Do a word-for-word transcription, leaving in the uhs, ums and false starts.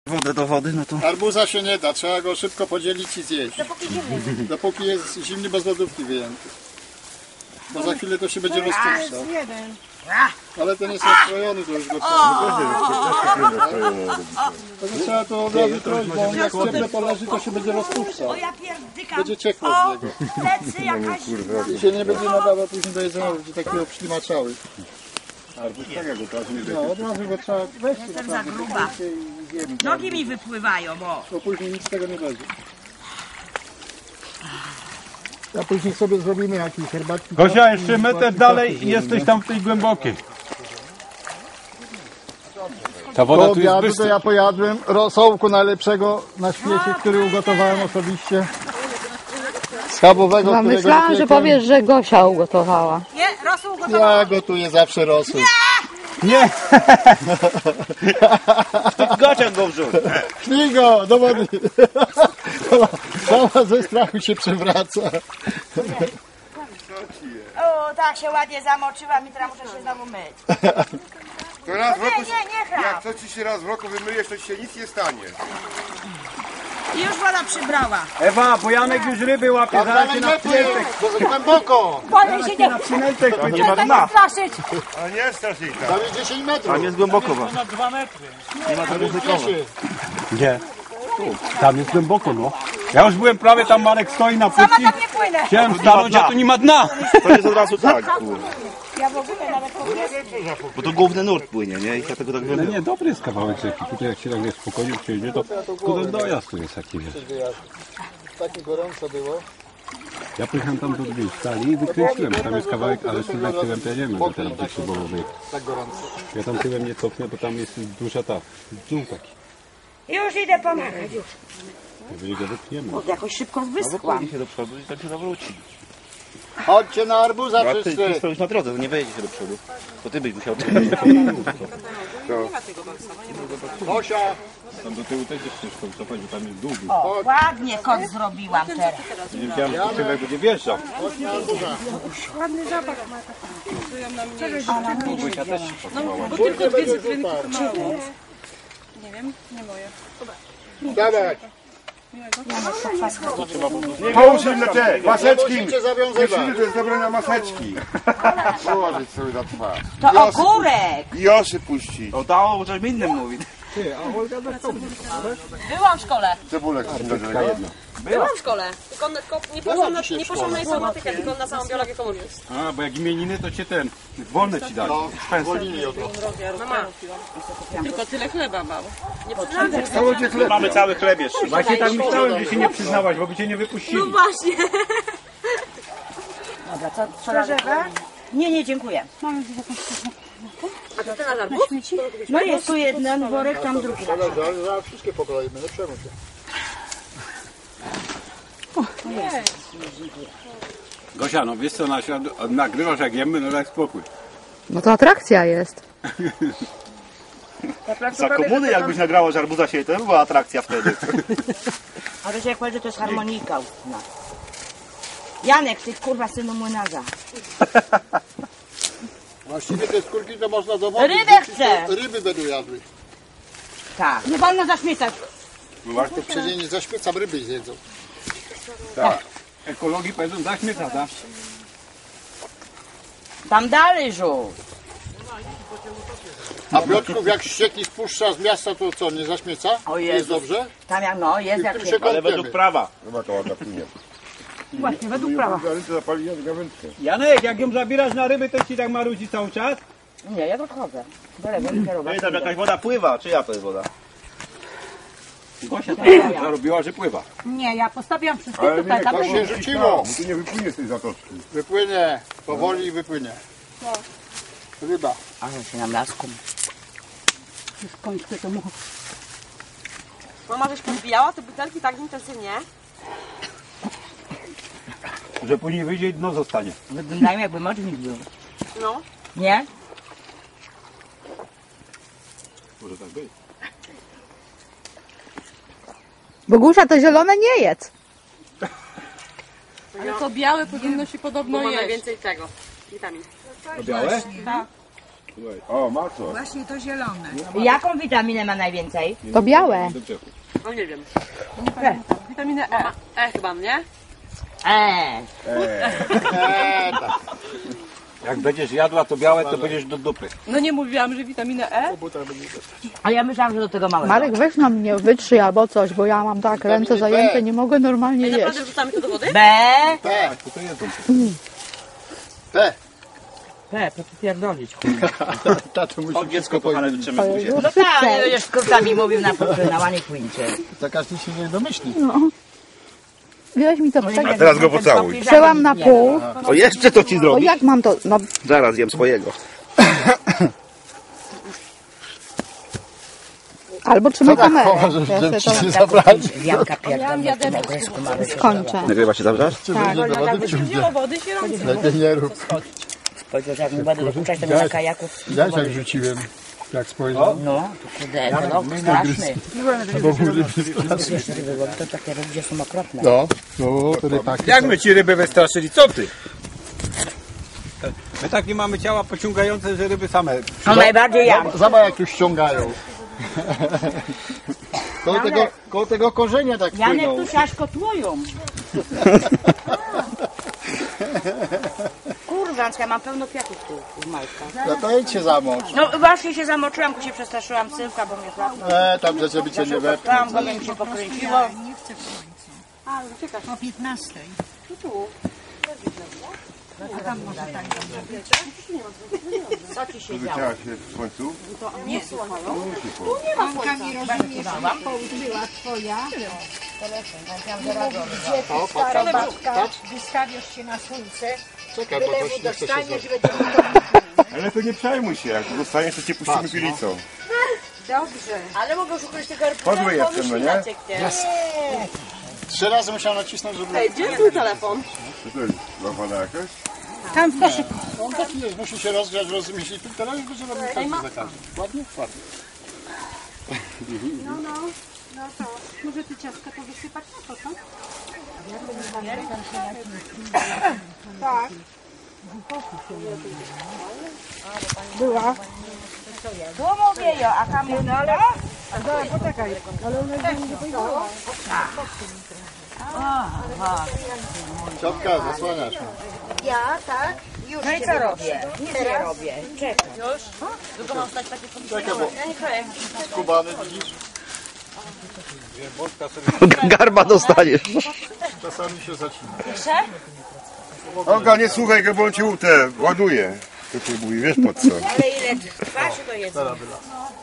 wodę do wody, no to... Arbuza się nie da, trzeba go szybko podzielić i zjeść. Dopóki zimny. Dopóki jest zimny, bez lodówki wyjęty. Bo za chwilę to się będzie rozpuszczał. Ale ten jest nastrojony, to już go trzeba. To trzeba to od razu trochę, bo on jak cieple poleży, to się będzie rozpuszczał. O ja pierdykam. Będzie ciekło z niego. Plecy jakaś. I się nie będzie nadawał później do jedzenia, będzie taki obślimaczały. Arbuz tak jak od razu nie No, od razu go trzeba weź Jestem za gruba. Nogi mi wypływają, bo. bo później nic z tego nie będzie. A później sobie zrobimy jakieś herbatki. Gosia, jeszcze metr dalej i jesteś tam w tej głębokiej. Ta woda Po tu jest obiadu to bystra. ja pojadłem rosołku najlepszego na świecie, który ugotowałem osobiście. Schabowego, No, którego myślałam, że wypiekłem. powiesz, że Gosia ugotowała. Nie, rosół gotowy. Ja gotuję zawsze rosół. Nie! Gociak go wrzuć! Pchnij go do wody. Sama ze strachu się przewraca. O, tak się ładnie zamoczyłam i teraz muszę się znowu myć. To raz w Nie, roku, nie, nie chrap. jak to ci się raz w roku wymyjesz, to ci się nic nie stanie. I już woda przybrała. Ewa, bo Janek już ryby łapie, Tam zaraz się dalej na nie płyń, bo za głęboko. Boję się nie przynętek To nie ma dna! straszyć. A nie strasz jej tak. Tam jest dziesięć metrów. Tam jest głęboko. Bo. Nie ma to ryzykowe. dziesięć. Nie. Tam jest głęboko, no. Ja już byłem prawie tam, Marek stoi na Sama płytki. tam nie płynę. Chciałem stanąć, a tu nie ma dna. To jest od razu tak, kurwa. Ja w ogóle nawet nie. Bo to główny nurt płynie, nie? I dlatego tak No wiem. nie, dobry jest kawałek rzeki. Tutaj jak się tak wiesz, spokojnie przyjedzie, to tylko ten dojazd tu jest taki, wiesz. Takie gorąco było. Ja pojechałem tam do drugiej stali i wykręciłem. Tam jest kawałek, ale tutaj tyłem to jedziemy, bo teraz do Szybowowej. Tak gorąco. Ja tam tyłem nie cofnę, bo tam jest duża ta, dół taki. Już idę pomagać. Już. Jeżeli go wypchniemy. O, jakoś szybko No bo wyschłam. pójdzie się do przodu i tak się zawróci. Chodźcie na arbuza A ty, ty wszyscy. stoisz na drodze, to nie wejdzie się do przodu. To ty byś musiał... Gosia, Tam do tyłu też jest ciężko wycofać, bo tam jest dół. O, ładnie kot zrobiłam teraz. Nie wiedziałem, że tyłek będzie wjeżdżał. chodź na arbuza. Bogusia też się pakowała. Bo tylko dwie cytrynki mało. Nie wiem, nie moje. Dawać. Połóż im na te maseczki. Musicie zawiązywać. Myślimy, że jest zabrania maseczki. Położyć sobie na twarz. To ogórek. I osy puścić. O, dało, bo coś innym mówi. Byłam w szkole. Cebulek jedna. Byłam w szkole. Tylko, tylko nie poszłam na, nie poszłam na informatykę, tylko na samą biologię komórki. A, bo jak imieniny, to cię ten, wolne ci dali. Zwolnili od razu. Mama. Tylko tyle chleba mało. Nie przyznam się. Cały dzień chleb. Mamy cały chleb jeszcze. Właśnie tak myślałem, że się nie przyznałaś, bo by cię nie wypuścili. No właśnie. Dobra, co, co dalej? Nie, nie, dziękuję. A to ten na żarbu? No jest tu jeden worek, tam drugi. Zaraz, zaraz, zaraz wszystkie pokroimy, nie przejmuj się. Gosia, no wiesz co, na świat, nagrywasz jak jemy, no daj spokój. No to atrakcja jest. Za komuny jakbyś nagrała, że arbuza się, to by była atrakcja wtedy. A wiecie jak powiedzieć, to jest harmonika ustna. Janek, ty kurwa synu młynarza. Właściwie te skórki to można do wody Rybę wrzucić, chcę. to ryby będą jadły. Tak. Nie wolno zaśmiecać. To przecież nie zaśmiecam, ryby zjedzą. Tak. Ekologii powiedzą zaśmieca, tak? Tam dalej żółw. A Piotrków jak ścieki spuszcza z miasta, to co, nie zaśmieca? O Jest Jezus. dobrze? Tam jak no, jest I w jak tym się... się Ale według kąpiemy. prawa. Chyba to ładna płynie. Właśnie, według prawa. Gawędkę zapali, ja gawędkę. Janek, jak ją zabierasz na ryby, to ci tak marudzi cały czas? Nie, ja odchodzę. Do lewej kierować. Ej, tam jakaś woda pływa, czyja to jest woda? Gosia tak zarobiła, że pływa. Nie, ja postawiłam wszystko Ale nie, To się rzuciło. Tu nie wypłynie z tej zatoczki. Wypłynie, powoli wypłynie. Ryba. Ale się nam laską. Skończmy to mu. Mama żeś podbijała te butelki tak intensywnie. Że później wyjdzie i dno zostanie. Wyglądają jakby mocznik był. No. Nie? Może tak być. Bogusia, to zielone nie jedz. Ale to białe powinno się podobno jeść. Bo ma najwięcej tego. Witamin. To białe? Tak. O, maso. Właśnie to zielone. Jaką witaminę ma najwięcej? To białe. No nie wiem. Nie pamiętam. Witaminę E. E chyba, nie? Eee. Eee, tak. Jak będziesz jadła to białe, to będziesz do dupy. No nie mówiłam, że witaminę E? A ja myślałam, że do tego małego. Marek, weź na mnie wytrzyj albo coś, bo ja mam tak ręce zajęte, nie mogę normalnie jeść. Naprawdę wrzucamy to do wody? B. P. To jedzą. P. P, to pierdolić. Tato musi O, dziecko kochane, wytrzemy w buzie. No tak, nie będziesz skrótami mówił na poczynał, a nie kłincie. To każdy się nie domyśli. Weź mi to A teraz go pocałuj. przełam na pół. O, jeszcze to ci O, zrobić? jak mam to? No, Zaraz jem swojego. albo trzymaj tak kamerę. chowa, że Ja sobie ci to nie zabrali. Janka pierdolę w tym ogresku mamy. skończę. Nagrywa się zawsze? Czy będzie do wody wciągnie? wody się robi. Lepiej nie rób. Powiedział, że jak mi będę dokuczać, to mi na kajaku. Widziałeś jak rzuciłem? Jak spojrzał? No, to kurde, ekolog straszny. Bo był ryby Wiesz, ryby, bo to takie ryby, gdzie są okropne. No, no, to rybaki. Jak my ci ryby wystraszyli? Co ty? My takie mamy ciała pociągające, że ryby same. No najbardziej ja. Zobacz jak tu ściągają. Koło tego, koło tego korzenia tak Janek płyną. tu siaśko tłoją. Kurwa, ja mam pełno kwiatów tu w majtkach. No to idź się zamocz. No właśnie się zamoczyłam, bo się przestraszyłam sylka, bo mnie złapał. E, tam że żeby cię nie wepchnął. Tam go mi się pokręciło. Nie chcę w słońcu. O piętnastej. A tam może tak dobrze. Co ci się działo? Chciała się w końcu? Mąka mi rozumiesz, połóż była twoja. Gdzie ty, stara babka, wystawiasz się na słońce, Czekaj, bo byle coś mu nie chce się dostaniesz, zrobić. będzie Ale to nie przejmuj się, jak dostaniesz, to cię puścimy pilicą. dobrze. Ale mogę szukać tego Podły jestem, no nie? Trzy razy musiałem nacisnąć, żeby... Ej, gdzie jest mój telefon? Co to jest? Łapana jakaś? Tam w koszyku. On taki jest, musi się rozgrzać, rozmieścić. Teraz już będzie robił każdy za każdym. Ładnie? Ładnie. No, no, no to może ty ciastka to wysypać na to, co? Tak. Była. Tu mówię jo, a tam jest ale... Poczekaj, ale ona nie pojechała. Ciotka, zasłaniasz mnie. Ja, tak? Już No i się co wynoszę. robię? Nic nie robię. Czekaj. Już? Długo mam stać takie Czekaj, bo Ja nie kroję. skubany widzisz? Garba dostaniesz. Czasami się zacina. Olga, nie słuchaj go, bo on cię te ładuje. To cię mówi, wiesz po co? Ale ile trwa się to jest?